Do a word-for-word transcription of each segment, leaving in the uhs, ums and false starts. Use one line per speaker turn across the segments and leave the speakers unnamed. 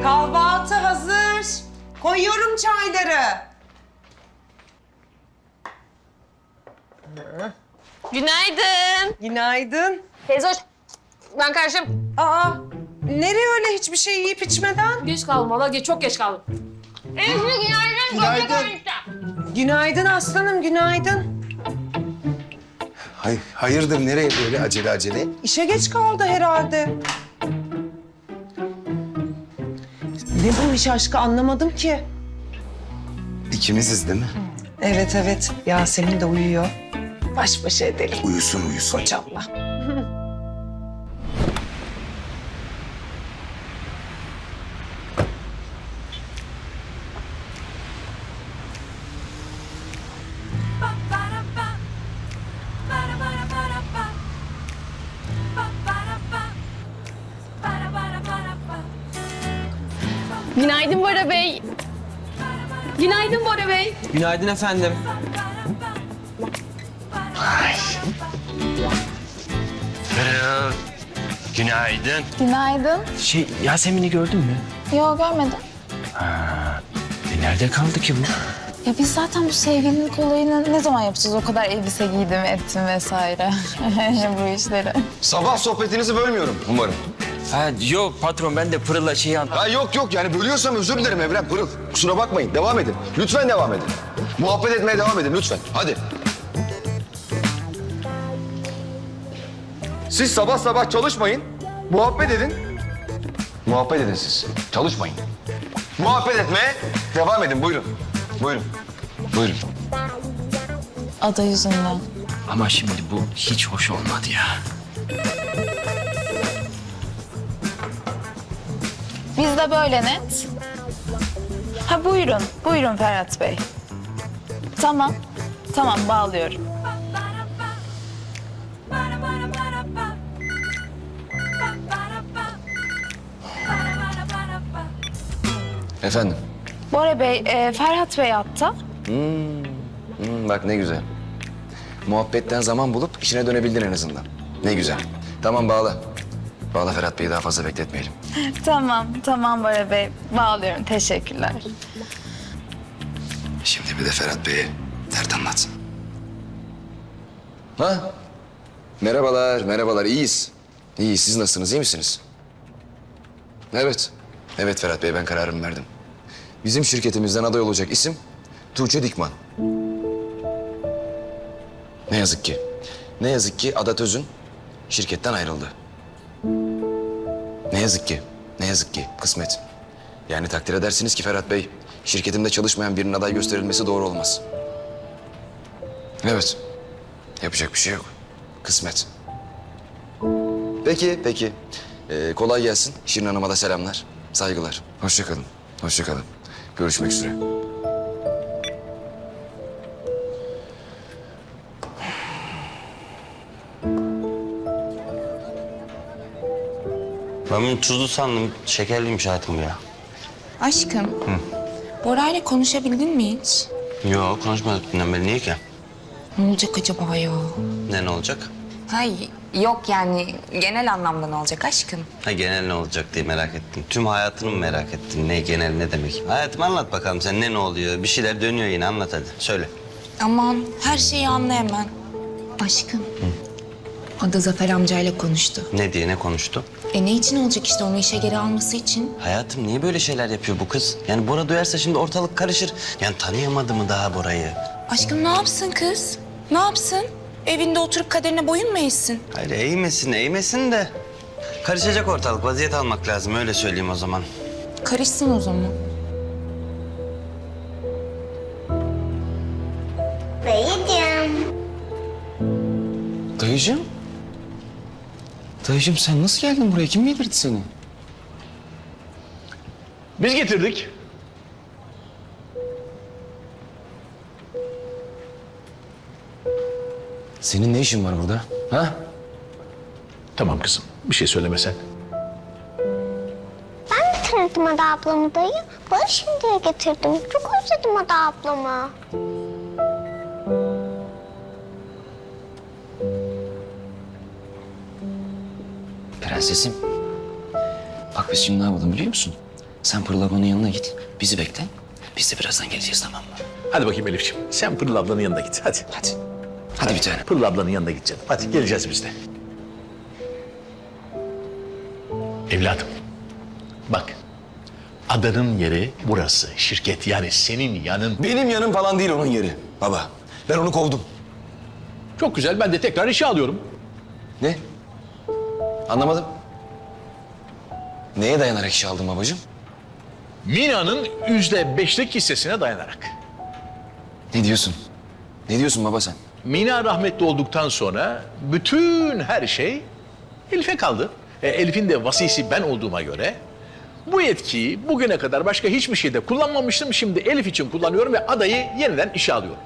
Kahvaltı hazır. Koyuyorum çayları.
Günaydın.
Günaydın.
Teyze hoş. Ben karşım.
Aa, nereye öyle hiçbir şey yiyip içmeden?
Geç kaldım valla. Geç, çok geç kaldım. Enişte günaydın.
Günaydın. Günaydın aslanım, günaydın.
Hay, hayırdır nereye böyle acele acele?
İşe geç kaldı herhalde. Ne bu iş aşkı anlamadım ki.
İkimiziz değil mi?
Evet evet, Yasemin de uyuyor. Baş başa edelim
Uyusun uyusun.
kocamla.
Günaydın Bora Bey. Günaydın Bora Bey.
Günaydın efendim.
Pırıl. Günaydın.
Günaydın.
Şey, Yasemin'i gördün mü?
Yok görmedim.
E nerede kaldı ki bu?
Ya biz zaten bu sevgililik olayını ne zaman yapacağız? O kadar elbise giydim, ettim vesaire. Bu işleri.
Sabah sohbetinizi bölmüyorum umarım.
Ha yok patron, ben de Pırıl'la şeyi an...
Ha yok yok yani bölüyorsam özür dilerim Evren Pırıl. Kusura bakmayın devam edin. Lütfen devam edin. Muhabbet etmeye devam edin lütfen. Hadi. Siz sabah sabah çalışmayın. Muhabbet edin. Muhabbet edin siz. Çalışmayın. Muhabbet etmeye devam edin. Buyurun. Buyurun. Buyurun.
Ada yüzünden.
Ama şimdi bu hiç hoş olmadı ya.
Biz de böyle net. Ha buyurun, buyurun Ferhat Bey. Tamam, tamam bağlıyorum.
Efendim.
Bora Bey, e, Ferhat Bey hatta.
Hmm, bak ne güzel. Muhabbetten zaman bulup işine dönebildin en azından. Ne güzel. Tamam bağla. Bağla Ferhat Bey'i daha fazla bekletmeyelim.
Tamam, tamam Bora Bey. Bağlıyorum, teşekkürler.
Şimdi bir de Ferhat Bey'e dert anlat. Ha? Merhabalar, merhabalar. İyiyiz. İyiyiz. Siz nasılsınız? İyi misiniz? Evet. Evet Ferhat Bey, ben kararımı verdim. Bizim şirketimizden aday olacak isim Tuğçe Dikman. Ne yazık ki. Ne yazık ki Adat Özün şirketten ayrıldı. Ne yazık ki. Ne yazık ki. Kısmet. Yani takdir edersiniz ki Ferhat Bey, şirketimde çalışmayan birinin aday gösterilmesi doğru olmaz. Evet. Yapacak bir şey yok. Kısmet. Peki, peki. Ee, kolay gelsin. Şirin Hanım'a da selamlar. Saygılar. Hoşça kalın. Hoşça kalın. Görüşmek üzere.
Ben bunu tuzlu sandım. Şekerliymiş hayatım ya.
Aşkım, Bora'yla konuşabildin mi hiç?
Yok konuşmadık dünden beri. Niye ki?
Ne olacak acaba ya?
Ne ne olacak?
Hay yok yani genel anlamda ne olacak aşkım?
Ha genel ne olacak diye merak ettim. Tüm hayatını mı merak ettin? Ne genel ne demek? Hayatım anlat bakalım sen ne ne oluyor? Bir şeyler dönüyor yine anlat hadi. Söyle.
Aman her şeyi anla hemen. Aşkım. Ada Zafer amcayla konuştu.
Ne diye ne konuştu?
E ne için olacak işte onu işe geri alması için?
Hayatım niye böyle şeyler yapıyor bu kız? Yani Bora duyarsa şimdi ortalık karışır. Yani tanıyamadı mı daha Bora'yı?
Aşkım ne yapsın kız? Ne yapsın? Evinde oturup kaderine boyun mu eğsin?
Hayır eğmesin eğmesin de. Karışacak ortalık vaziyet almak lazım öyle söyleyeyim o zaman.
Karışsın o zaman.
Dayıcığım. Dayıcığım sen nasıl geldin buraya? Kim getirdi seni?
Biz getirdik.
Senin ne işin var burada? Ha?
Tamam kızım, bir şey söylemesen.
Getirdim Ada ablamı dayı. Barış diye getirdim. Çok özledim Ada ablamı.
Prensesim. Bak biz şimdi ne yapalım biliyor musun? Sen Pırıl ablanın yanına git. Bizi bekle. Biz de birazdan geleceğiz, tamam mı?
Hadi bakayım Elif'ciğim. Sen Pırıl ablanın yanına git. Hadi.
Hadi. Hadi bir tane.
Pırıl ablanın yanına git canım. Hadi geleceğiz biz de. Evladım. Bak. Adanın yeri burası. Şirket yani senin yanın.
Benim yanım falan değil onun yeri baba. Ben onu kovdum.
Çok güzel. Ben de tekrar işe alıyorum.
Ne? Anlamadım. Neye dayanarak işe aldın babacığım?
Mina'nın yüzde beşlik hissesine dayanarak.
Ne diyorsun? Ne diyorsun baba sen?
Mina rahmetli olduktan sonra bütün her şey Elif'e kaldı. E, Elif'in de vasisi ben olduğuma göre bu yetkiyi bugüne kadar başka hiçbir şeyde kullanmamıştım. Şimdi Elif için kullanıyorum ve adayı yeniden işe alıyorum.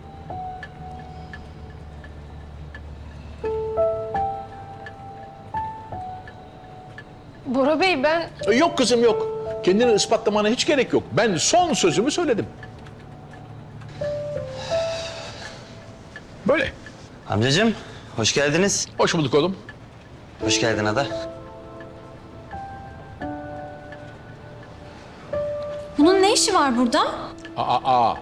Bora Bey ben...
E, Yok kızım yok. Kendini ispatlamana hiç gerek yok. Ben son sözümü söyledim. Böyle.
Amcacığım hoş geldiniz.
Hoş bulduk oğlum.
Hoş geldin Ada.
Bunun ne işi var burada?
Aa, aa.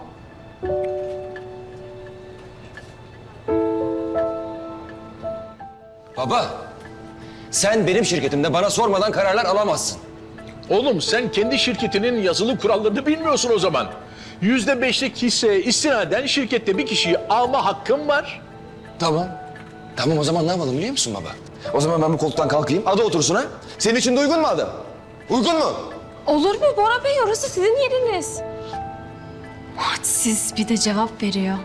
Baba, sen benim şirketimde bana sormadan kararlar alamazsın.
Oğlum sen kendi şirketinin yazılı kurallarını bilmiyorsun o zaman. Yüzde beşlik hisseye istinaden şirkette bir kişiyi alma hakkım var.
Tamam. Tamam o zaman ne yapalım biliyor musun baba? O zaman ben bu koltuktan kalkayım, ada otursun ha. Senin için de uygun mu ada? Uygun mu?
Olur mu Bora Bey? Orası sizin yeriniz.
Siz bir de cevap veriyor.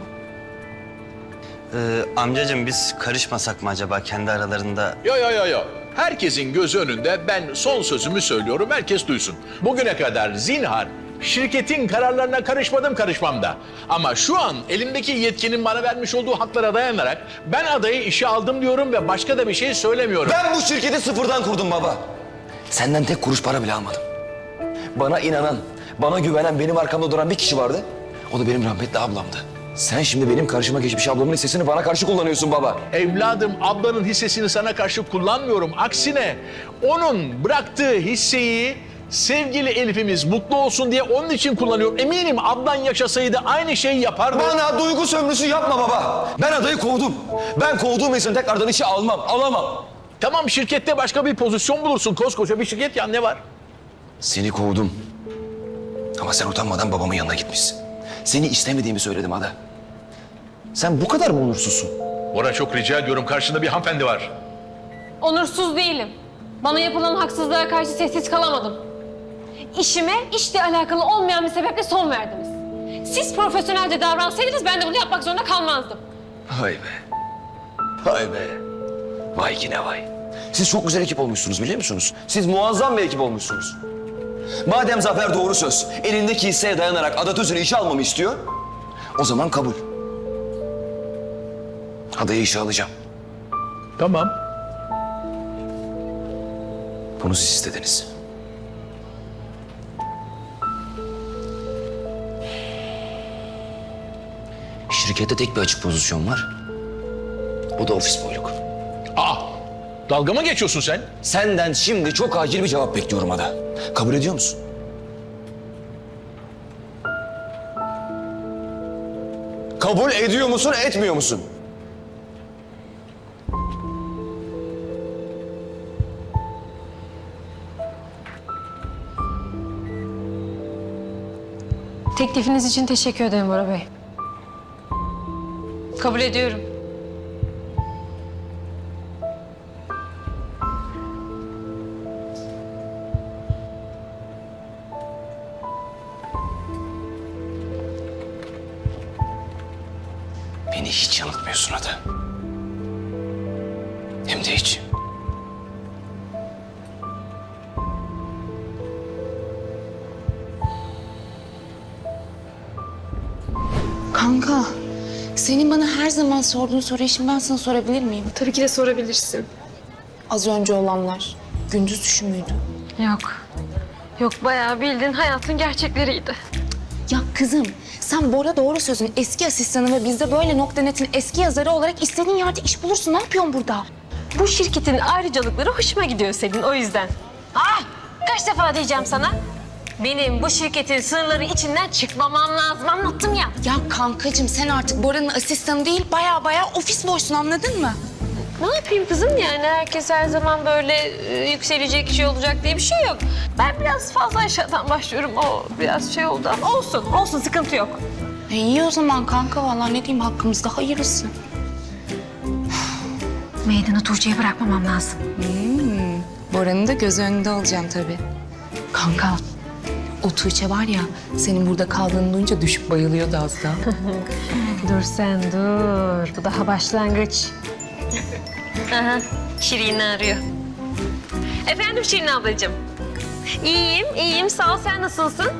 Ee, amcacığım biz karışmasak mı acaba kendi aralarında?
Yo yo yo yo. Herkesin gözü önünde ben son sözümü söylüyorum. Herkes duysun. Bugüne kadar zinhar şirketin kararlarına karışmadım karışmam da. Ama şu an elimdeki yetkinin bana vermiş olduğu haklara dayanarak ben adayı işe aldım diyorum ve başka da bir şey söylemiyorum.
Ben bu şirketi sıfırdan kurdum baba. Senden tek kuruş para bile almadım. Bana inanan, bana güvenen, benim arkamda duran bir kişi vardı. O da benim rahmetli ablamdı. Sen şimdi benim karşıma geçmiş ablamın hissesini bana karşı kullanıyorsun baba.
Evladım ablanın hissesini sana karşı kullanmıyorum. Aksine onun bıraktığı hisseyi sevgili Elif'imiz mutlu olsun diye onun için kullanıyorum. Eminim ablan yaşasaydı aynı şeyi yapardı.
Bana duygu sömürüsü yapma baba. Ben adayı kovdum. Ben kovduğum insanı tekrardan işe almam, alamam.
Tamam şirkette başka bir pozisyon bulursun. Koskoca bir şirket ya ne var?
Seni kovdum. Ama sen utanmadan babamın yanına gitmişsin. Seni istemediğimi söyledim Ada. Sen bu kadar mı onursuzsun?
Bora çok rica ediyorum karşında bir hanımefendi var.
Onursuz değilim. Bana yapılan haksızlığa karşı sessiz kalamadım. İşime işle alakalı olmayan bir sebeple son verdiniz. Siz profesyonelce davransaydınız ben de bunu yapmak zorunda kalmazdım.
Vay be. Vay be. Vay ki ne vay. Siz çok güzel ekip olmuşsunuz biliyor musunuz? Siz muazzam bir ekip olmuşsunuz. Madem Zafer doğru söz, elindeki hisseye dayanarak Ada Tüzün'ü işe almamı istiyor, o zaman kabul. Adayı işe alacağım.
Tamam.
Bunu siz istediniz. Şirkette tek bir açık pozisyon var. O da ofis boyluk.
Aa, dalga mı geçiyorsun sen?
Senden şimdi çok acil bir cevap bekliyorum Ada. Kabul ediyor musun? Kabul ediyor musun, etmiyor musun?
Teklifiniz için teşekkür ederim Bora Bey. Kabul ediyorum.
Beni hiç yanıltmıyorsun Ada. Hem de hiç.
Kanka, senin bana her zaman sorduğun soruyu şimdi ben sana sorabilir miyim?
Tabii ki de sorabilirsin.
Az önce olanlar, gündüz düşü müydü?
Yok. Yok bayağı bildiğin hayatın gerçekleriydi.
Ya kızım, sen Bora doğru sözün eski asistanı ve bizde böyle nokta netin eski yazarı olarak istediğin yerde iş bulursun. Ne yapıyorsun burada?
Bu şirketin ayrıcalıkları hoşuma gidiyor senin o yüzden. Ah! Kaç defa diyeceğim sana? Benim bu şirketin sırları içinden çıkmamam lazım. Anlattım ya.
Ya kankacığım sen artık Bora'nın asistanı değil baya baya ofis boysun anladın mı?
Ne yapayım kızım yani herkes her zaman böyle e, yükselecek şey olacak diye bir şey yok. Ben biraz fazla aşağıdan başlıyorum. O biraz şey oldu ama olsun. Olsun sıkıntı yok.
E iyi o zaman kanka vallahi ne diyeyim hakkımızda hayırlısı.
Meydanı Tuğçe'ye bırakmamam lazım.
Hmm, Bora'nın da göz önünde olacağım tabii. Kanka o Tuğçe var ya senin burada kaldığını duyunca düşüp bayılıyordu az daha.
Dur sen dur. Bu daha başlangıç. Aha, Şirin'i arıyor. Efendim Şirin ablacığım. İyiyim, iyiyim. Sağ ol. Sen nasılsın?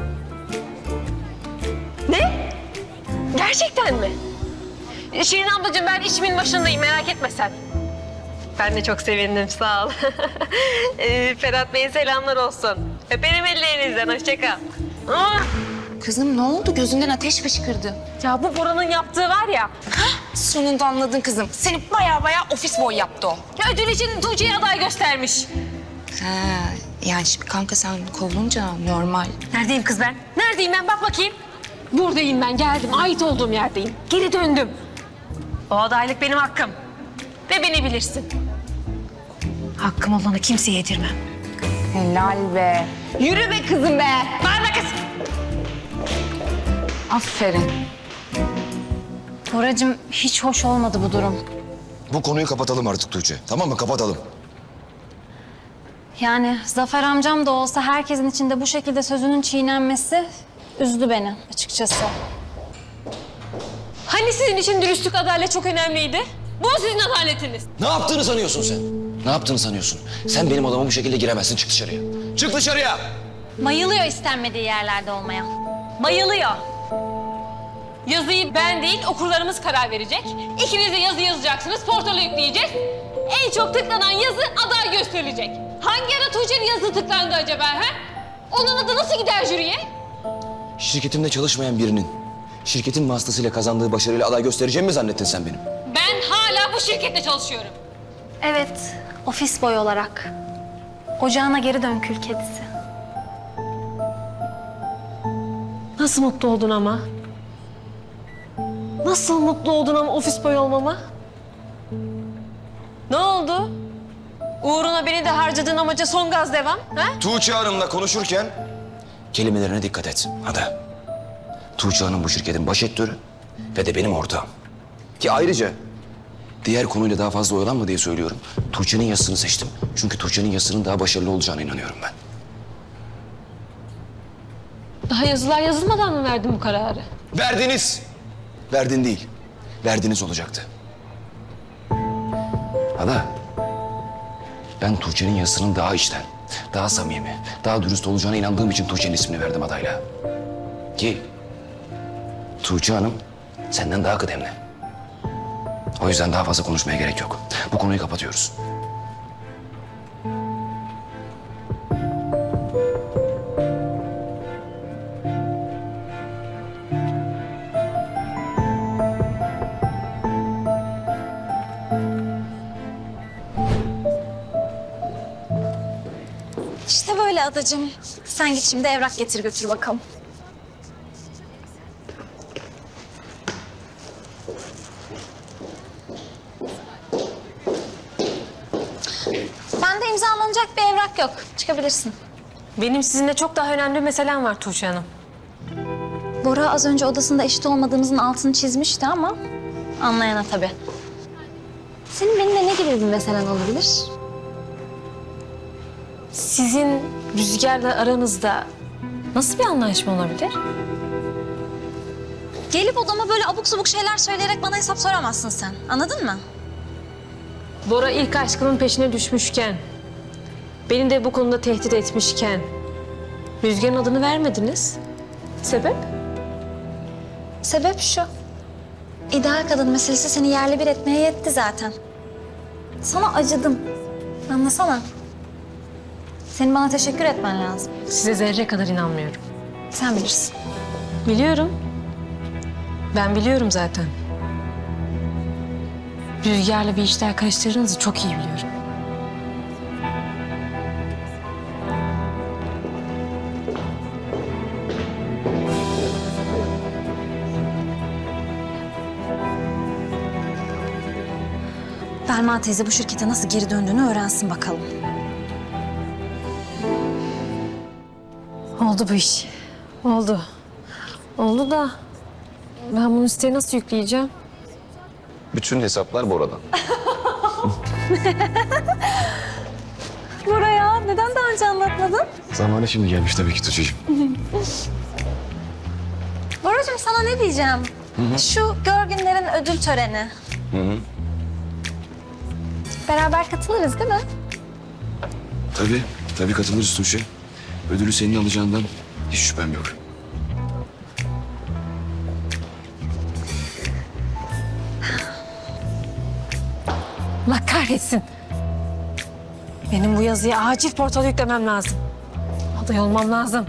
Ne? Gerçekten mi? Şirin ablacığım ben işimin başındayım. Merak etme sen. Ben de çok sevindim. Sağ ol. ee, Ferhat Bey'e selamlar olsun. Öperim ellerinizden. Hoşça kal. Ah!
Kızım ne oldu gözünden ateş fışkırdı.
Ya bu Bora'nın yaptığı var ya.
Sonunda anladın kızım. Seni baya baya ofis boy yaptı o.
Ya ödül için Tuğçe'ye aday göstermiş.
Ha, yani şimdi kanka sen kovulunca normal.
Neredeyim kız ben? Neredeyim ben? Bak bakayım. Buradayım ben. Geldim. Ait olduğum yerdeyim. Geri döndüm. O adaylık benim hakkım. Ve beni bilirsin. Hakkım olanı kimseye yedirmem.
Helal be.
Yürü be kızım be. Bağırma kız.
Aferin.
Boracığım hiç hoş olmadı bu durum.
Bu konuyu kapatalım artık Tuğçe. Tamam mı? Kapatalım.
Yani Zafer amcam da olsa herkesin içinde bu şekilde sözünün çiğnenmesi üzdü beni açıkçası.
Hani sizin için dürüstlük, adalet çok önemliydi? Bu sizin adaletiniz.
Ne yaptığını sanıyorsun sen? Ne yaptığını sanıyorsun? Sen benim odama bu şekilde giremezsin. Çık dışarıya. Çık dışarıya!
Bayılıyor istenmediği yerlerde olmaya. Bayılıyor.
Yazıyı ben değil, okurlarımız karar verecek. İkiniz de yazı yazacaksınız, portala yükleyeceğiz. En çok tıklanan yazı aday gösterilecek. Hangi ara Tuğçe'nin yazısı tıklandı acaba ha? Onun adı nasıl gider jüriye?
Şirketimde çalışmayan birinin şirketin vasıtasıyla kazandığı başarıyla aday göstereceğimi mi zannettin sen benim?
Ben hala bu şirkette çalışıyorum.
Evet, ofis boy olarak. Ocağına geri dön kül kedisi.
Nasıl mutlu oldun ama? Nasıl mutlu oldun ama ofis boy olmama? Ne oldu? Uğruna beni de harcadığın amaca son gaz devam, ha?
Tuğçe Hanım'la konuşurken kelimelerine dikkat et. Hadi. Tuğçe Hanım bu şirketin baş etörü ve de benim ortağım. Ki ayrıca diğer konuyla daha fazla oyalanma diye söylüyorum. Tuğçe'nin yazısını seçtim. Çünkü Tuğçe'nin yazısının daha başarılı olacağına inanıyorum ben.
Daha yazılar yazılmadan mı verdin bu kararı?
Verdiniz. Verdin değil. Verdiniz olacaktı. Ada, ben Tuğçe'nin yazısının daha içten, daha samimi, daha dürüst olacağına inandığım için Tuğçe'nin ismini verdim adayla. Ki Tuğçe Hanım senden daha kıdemli. O yüzden daha fazla konuşmaya gerek yok. Bu konuyu kapatıyoruz.
İşte böyle adacığım. Sen git şimdi evrak getir götür bakalım. Bende imzalanacak bir evrak yok. Çıkabilirsin.
Benim sizinle çok daha önemli bir meselem var Tuğçe Hanım.
Bora az önce odasında eşit olmadığımızın altını çizmişti ama anlayana tabii. Senin benimle ne gibi bir meselen olabilir?
Sizin Rüzgar'la aranızda nasıl bir anlaşma olabilir?
Gelip odama böyle abuk subuk şeyler söyleyerek bana hesap soramazsın sen. Anladın mı?
Bora ilk aşkının peşine düşmüşken, beni de bu konuda tehdit etmişken Rüzgar'ın adını vermediniz. Sebep?
Sebep şu. İdeal kadın meselesi seni yerle bir etmeye yetti zaten. Sana acıdım. Anlasana. Senin bana teşekkür etmen lazım.
Size zerre kadar inanmıyorum.
Sen bilirsin.
Biliyorum. Ben biliyorum zaten. Rüzgar'la bir işler karıştırdığınızı çok iyi biliyorum.
Selma teyze bu şirkete nasıl geri döndüğünü öğrensin bakalım.
Oldu bu iş. Oldu. Oldu da ben bunu siteye nasıl yükleyeceğim?
Bütün hesaplar Bora'dan.
Buraya neden daha önce anlatmadın?
Zamanı şimdi gelmiş tabii ki Tuğçe'cim.
Boracığım sana ne diyeceğim? Şu Görgünlerin ödül töreni.
Hı hı.
Beraber katılırız değil mi?
Tabii, tabii katılırız Tuğçe. Ödülü senin alacağından hiç şüphem yok.
Allah kahretsin. Benim bu yazıyı acil portala yüklemem lazım. Aday olmam lazım.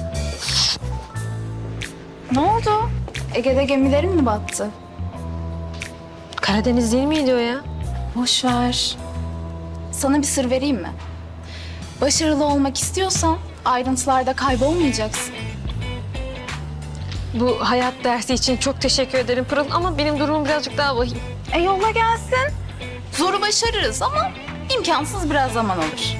Ne oldu? Ege'de gemilerin mi battı?
Karadeniz değil miydi o ya?
Boş ver. Sana bir sır vereyim mi? Başarılı olmak istiyorsan ayrıntılarda kaybolmayacaksın.
Bu hayat dersi için çok teşekkür ederim Pırıl ama benim durumum birazcık daha vahim.
E yolla gelsin. Zoru başarırız ama imkansız biraz zaman alır.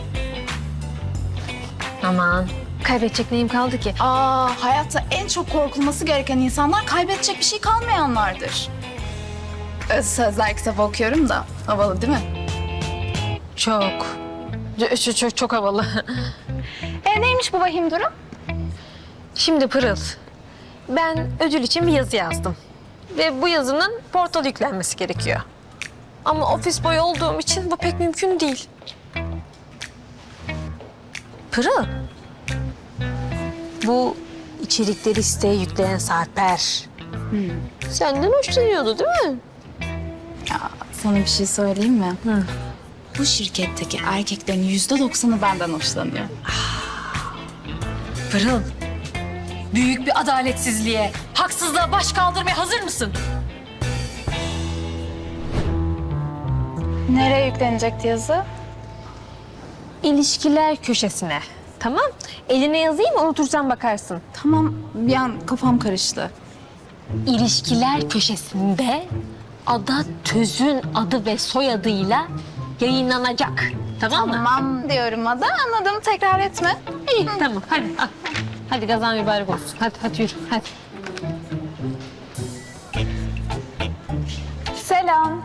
Aman kaybedecek neyim kaldı ki?
Aa, hayatta en çok korkulması gereken insanlar kaybedecek bir şey kalmayanlardır. Öz sözler kitabı okuyorum da havalı değil mi?
Çok. Çok, çok, çok havalı.
E neymiş bu vahim durum?
Şimdi Pırıl, ben ödül için bir yazı yazdım. Ve bu yazının portala yüklenmesi gerekiyor. Ama ofis boyu olduğum için bu pek mümkün değil. Pırıl, bu içerikleri siteye yükleyen Sarper. Senden hoşlanıyordu değil mi?
Ya sana bir şey söyleyeyim mi?
Hı.
Bu şirketteki erkeklerin yüzde doksanı benden hoşlanıyor.
Pırıl, büyük bir adaletsizliğe, haksızlığa baş kaldırmaya hazır mısın?
Nereye yüklenecekti yazı?
İlişkiler köşesine. Tamam. Eline yazayım, unutursan bakarsın.
Tamam, bir an kafam karıştı.
İlişkiler köşesinde Ada Töz'ün adı ve soyadıyla yayınlanacak. Tamam mı?
Tamam diyorum Ada, anladım. Tekrar etme.
İyi, tamam. Hadi al. Hadi gazan mübarek olsun. Hadi, hadi yürü. Hadi.
Selam.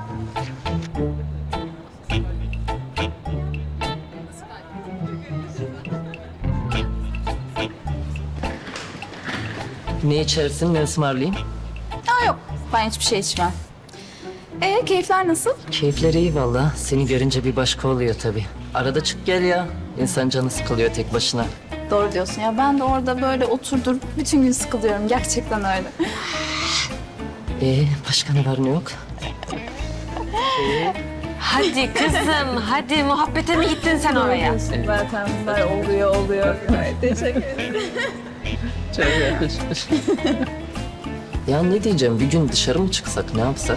Ne içersin, ne ısmarlayayım?
Aa yok, ben hiçbir şey içmem. Ee, keyifler nasıl?
Keyifleri iyi valla. Seni görünce bir başka oluyor tabii. Arada çık gel ya. İnsan canı sıkılıyor tek başına.
Doğru diyorsun ya. Ben de orada böyle oturdur bütün gün sıkılıyorum. Gerçekten öyle.
Ee, başka ne var ne yok?
Hadi kızım, hadi muhabbete mi gittin sen oraya?
Zaten bunlar oluyor, oluyor. Teşekkür ederim.
Çok yakışmış. Ya ne diyeceğim, bir gün dışarı mı çıksak, ne yapsak?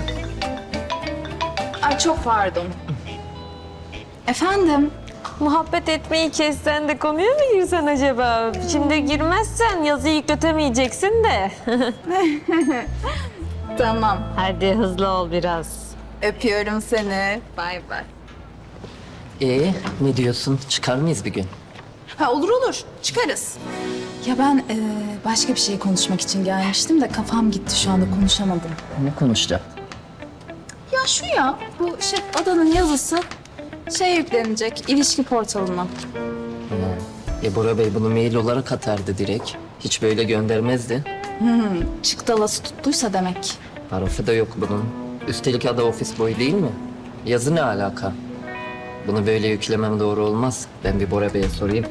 Ay çok pardon. Efendim?
Muhabbet etmeyi kessen de konuya mı girsen acaba? Şimdi girmezsen yazıyı yükletemeyeceksin de.
Tamam.
Hadi hızlı ol biraz.
Öpüyorum seni. Bay bay.
Ee, ne diyorsun, çıkar mıyız bir gün?
Ha olur olur. Çıkarız. Ya ben e, başka bir şey konuşmak için gelmiştim de kafam gitti şu anda konuşamadım.
Ne konuşacağız?
Ya şu ya, bu şey Adanın yazısı şey yüklenecek, ilişki portalına.
E Bora Bey bunu mail olarak atardı direkt. Hiç böyle göndermezdi.
Hmm, çıktalası tuttuysa demek.
Harfi de yok bunun. Üstelik adı ofis boyu değil mi? Yazı ne alaka? Bunu böyle yüklemem doğru olmaz. Ben bir Bora Bey'e sorayım.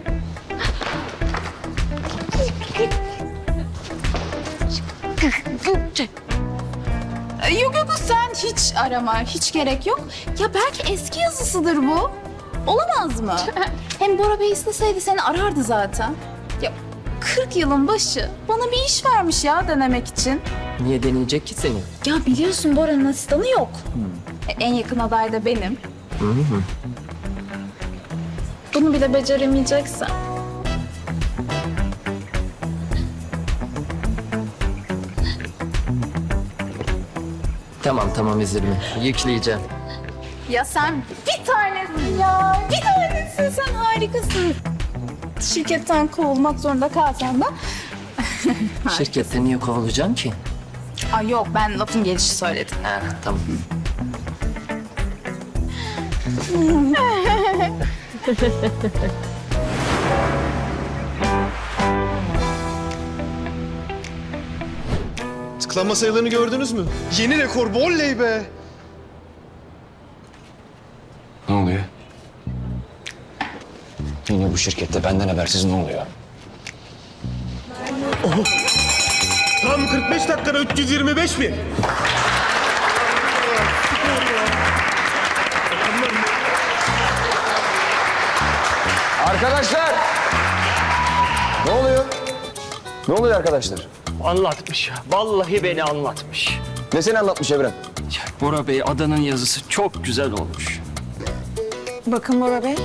E, Yok yok sen hiç arama, hiç gerek yok. Ya belki eski yazısıdır bu. Olamaz mı? Hem Bora Bey isteseydi seni arardı zaten. Ya kırk yılın başı bana bir iş vermiş ya denemek için.
Niye deneyecek ki seni?
Ya biliyorsun Bora'nın asistanı yok. E, en yakın aday da benim.
Hı hı.
Bunu bile beceremeyeceksen.
Tamam tamam üzülme. Yükleyeceğim.
Ya sen bir tanesin ya. Bir tanesin, sen harikasın. Şirketten kovulmak zorunda kalsan da.
Şirkette niye kovulacağım ki?
Ay yok, ben lafın gelişi söyledim.
Ha, tamam.
Tıklanma sayılarını gördünüz mü? Yeni rekor bu, oley be!
Ne oluyor? Yine bu şirkette benden habersiz ne oluyor?
Tam kırk beş dakikada üç yüz yirmi beş bin.
Arkadaşlar! Ne oluyor? Ne oluyor arkadaşlar?
Anlatmış ya. Vallahi beni anlatmış.
Ne seni anlatmış Evren?
Ya Bora Bey adanın yazısı çok güzel olmuş.
Bakın Bora Bey.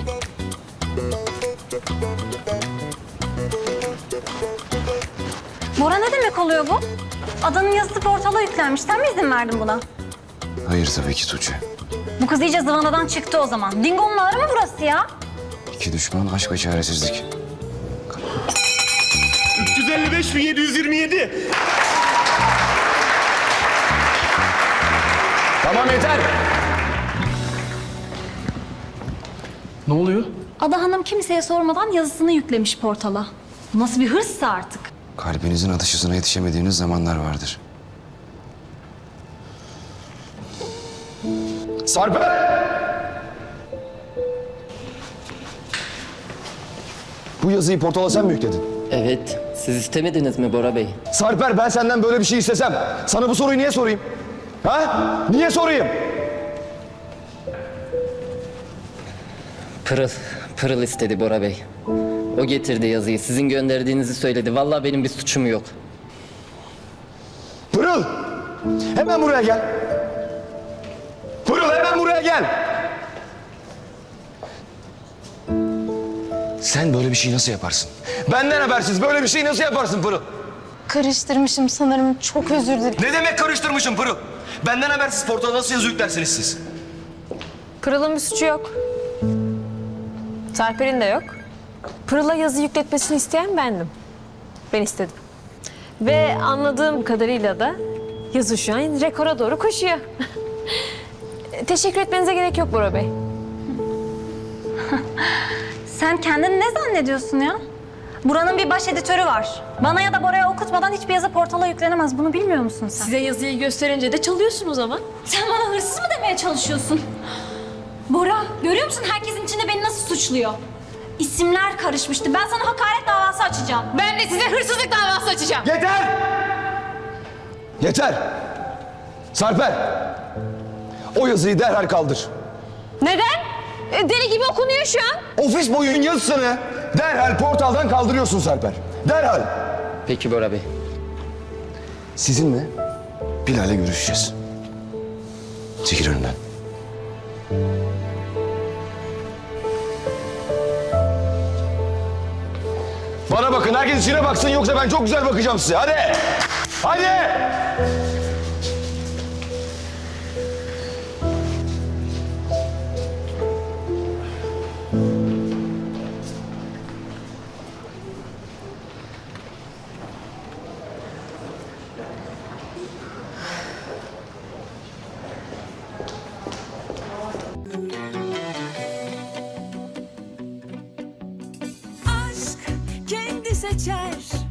Bora ne demek oluyor bu? Adanın yazısı portala yüklenmiş. Sen mi izin verdin buna?
Hayır tabii ki Tuğçe.
Bu kız iyice zıvanadan çıktı o zaman. Dingo'nun ağrı mı burası ya?
İki düşman, aşk ve çaresizlik.
üç yüz elli beş bin yedi yüz yirmi yedi.
Tamam yeter!
Ne oluyor?
Ada Hanım kimseye sormadan yazısını yüklemiş portala. Bu nasıl bir hırssa artık?
Kalbinizin atış hızına yetişemediğiniz zamanlar vardır. Sarper! Bu yazıyı portala sen mi yükledin?
Evet, siz istemediniz mi Bora Bey?
Sarper, ben senden böyle bir şey istesem sana bu soruyu niye sorayım? Ha? Niye sorayım?
Pırıl, Pırıl istedi Bora Bey. O getirdi yazıyı, sizin gönderdiğinizi söyledi. Vallahi benim bir suçum yok.
Pırıl! Hemen buraya gel. Pırıl, hemen buraya gel. Sen böyle bir şey nasıl yaparsın? Benden habersiz böyle bir şey nasıl yaparsın Pırıl?
Karıştırmışım sanırım. Çok özür dilerim.
Ne demek karıştırmışım Pırıl? Benden habersiz portala nasıl yazı yüklersiniz siz?
Pırıl'ın bir suçu yok. Sarper'in de yok. Pırıl'a yazı yükletmesini isteyen bendim. Ben istedim. Ve anladığım kadarıyla da yazı şu an rekora doğru koşuyor. Teşekkür etmenize gerek yok Bora Bey.
Sen kendini ne zannediyorsun ya? Buranın bir baş editörü var. Bana ya da Bora'ya okutmadan hiçbir yazı portala yüklenemez. Bunu bilmiyor musun sen?
Size yazıyı gösterince de çalıyorsun o zaman.
Sen bana hırsız mı demeye çalışıyorsun? Bora, görüyor musun herkesin içinde beni nasıl suçluyor? İsimler karışmıştı. Ben sana hakaret davası açacağım.
Ben de size hırsızlık davası açacağım.
Yeter! Yeter! Sarper! O yazıyı derhal kaldır.
Neden? E, Deli gibi okunuyor şu an.
Ofis boyunun yazısını derhal portaldan kaldırıyorsun Sarper. Derhal!
Peki Bora Bey.
Sizinle Bilal'le görüşeceğiz. Çekil önümden. Bana bakın, herkes içine baksın yoksa ben çok güzel bakacağım size. Hadi! Hadi!
Aşk kendi seçer.